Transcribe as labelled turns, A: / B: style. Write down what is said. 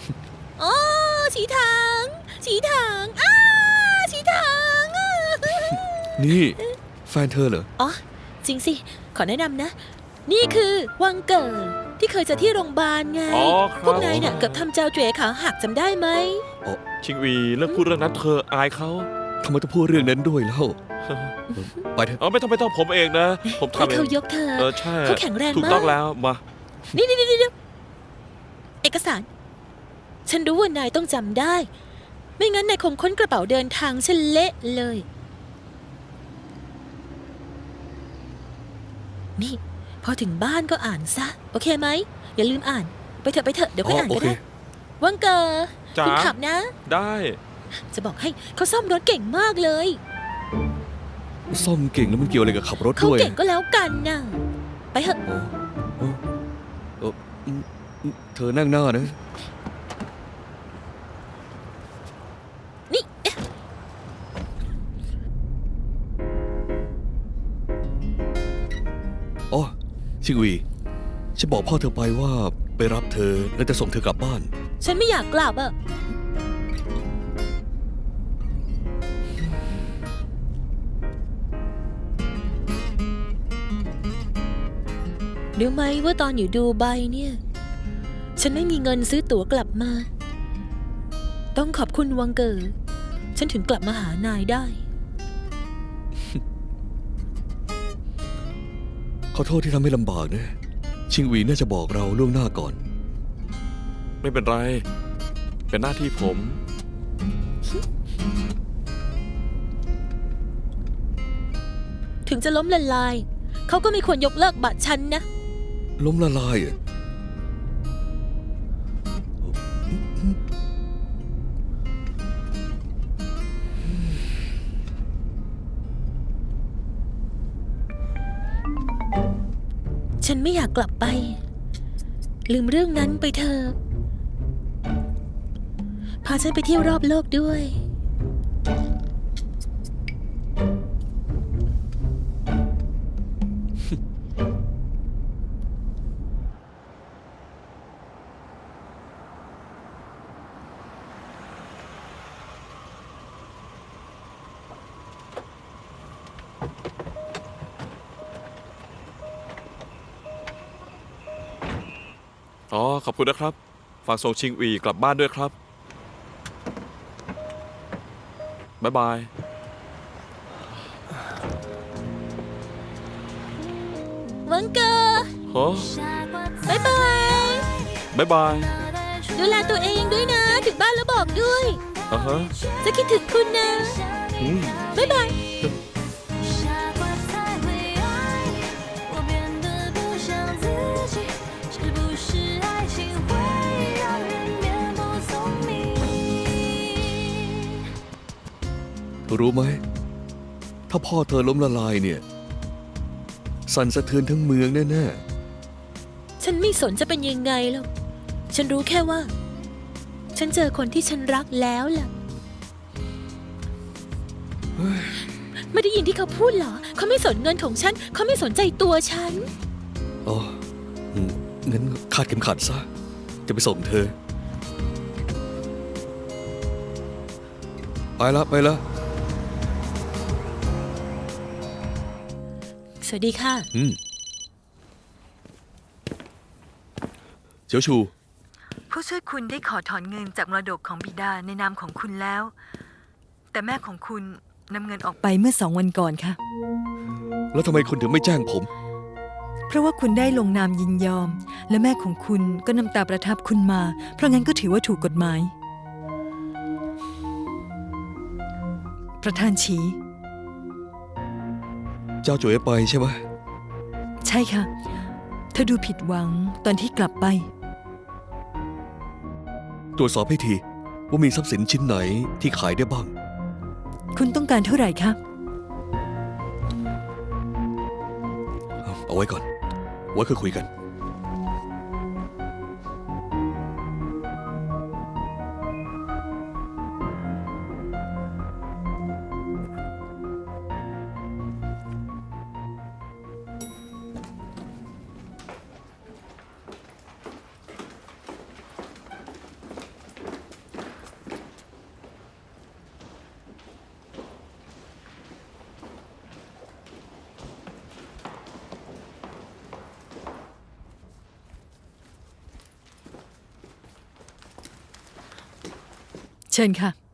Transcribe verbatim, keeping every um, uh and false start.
A: โอ้ฉีถังฉีถังอ้าฉีถัง
B: นี่แฟนเธอเหรอ
A: อ๋อจริงสิขอแนะนำนะ นี่คือวังเกิดที่เคยเจอที่โรงพยาบาลไงพวกนายเนี่ยเกือบทำเจ้าเจ๋ขาหักจำได้ไหม
C: ชิงวีเลิกพูดเรื่องนั้นเธออายเขา
B: ทำไมต้องพูดเรื่องนั้นด้วยเล่าไปเถอะ
C: เออไม่ต้องไม่ต้องผมเองนะผมทำเอง
A: เขายกเธอ
C: เออใช่
A: เขาแข็งแรงมาก
C: ถูกต้องแล้วมา
A: นี่นี่นี่เอกสารฉันรู้ว่านายต้องจำได้ไม่งั้นนายคงค้นกระเป๋าเดินทางฉันเละเลยนี่พอถึงบ้านก็อ่านซะโอเคไหมอย่าลืมอ่านไปเถอะไปเถอะเดี๋ยวค่อยอ่านก็ได้วังเกอร์คุณขับนะ
C: ได้
A: จะบอกให้เขาซ่อมรถเก่งมากเลย
B: ซ่อมเก่งแล้วมันเกี่ยวอะไรกับขับรถด้วย
A: เขาเก่งก็แล้วกันนะไปเถอะ
B: เธอนั่งหน้านะ
A: นี่
B: อ๋อชิงวีฉันบอกพ่อเธอไปว่าไปรับเธอแล้วจะส่งเธอกลับบ้าน
A: ฉันไม่อยากกลับอะเดี๋ยวไหมว่าตอนอยู่ดูไบเนี่ยฉันไม่มีเงินซื้อตั๋วกลับมาต้องขอบคุณวังเกอร์ฉันถึงกลับมาหานายได้
B: ขอโทษที่ทำให้ลำบากนะชิงหวีน่าจะบอกเราล่วงหน้าก่อน
C: ไม่เป็นไรเป็นหน้าที่ผม
A: ถึงจะล้มละลายเขาก็ไม่ควรยกเลิกบัตรฉันนะ
B: ล้มละลายอ่ะ
A: ฉันไม่อยากกลับไปลืมเรื่องนั้นไปเถอะพาฉันไปเที่ยวรอบโลกด้วย
C: อ๋อขอบคุณนะครับฝากส่งชิงวีกลับบ้านด้วยครับบ๊ายบาย
A: วังเกอร์
C: ฮะ
A: บ๊ายบาย
C: บ๊ายบาย
A: ดูแลตัวเองด้วยนะถึงบ้านแล้วบอกด้วย
C: อ่าฮะ
A: จะคิดถึงคุณนะบ๊ายบาย
B: รู้ไหมถ้าพ่อเธอล้มละลายเนี่ยสั่นสะเทือนทั้งเมืองแน่
A: ๆฉันไม่สนจะเป็นยังไงหรอกฉันรู้แค่ว่าฉันเจอคนที่ฉันรักแล้วล่ะไม่ได้ยินที่เขาพูดเหรอเขาไม่สนเงินของฉันเขาไม่สนใจตัวฉัน
B: อ๋องั้นคาดเข็มขัดซะจะไปส่งเธอไปละไปละ
A: สวัสดีค่ะ
B: อืมเจียวชู
D: ผู้ช่วยคุณได้ขอถอนเงินจากมรดกของบิดาในนามของคุณแล้วแต่แม่ของคุณนำเงินออกไปเมื่อสองวันก่อนค่ะ
B: แล้วทำไมคุณถึงไม่แจ้งผม
D: เพราะว่าคุณได้ลงนามยินยอมและแม่ของคุณก็นำตาประทับคุณมาเพราะงั้นก็ถือว่าถูกกฎหมายประธานฉี
B: เจ้าจ๋วยไปใช่ไหม
D: ใช่ค่ะเธอดูผิดหวังตอนที่กลับไป
B: ตรวจสอบให้ทีว่ามีทรัพย์สินชิ้นไหนที่ขายได้บ้าง
D: คุณต้องการเท่าไหร่คะ
B: เอาไว้ก่อนไว้ค่อยคุยกัน
D: เชิญค่ะ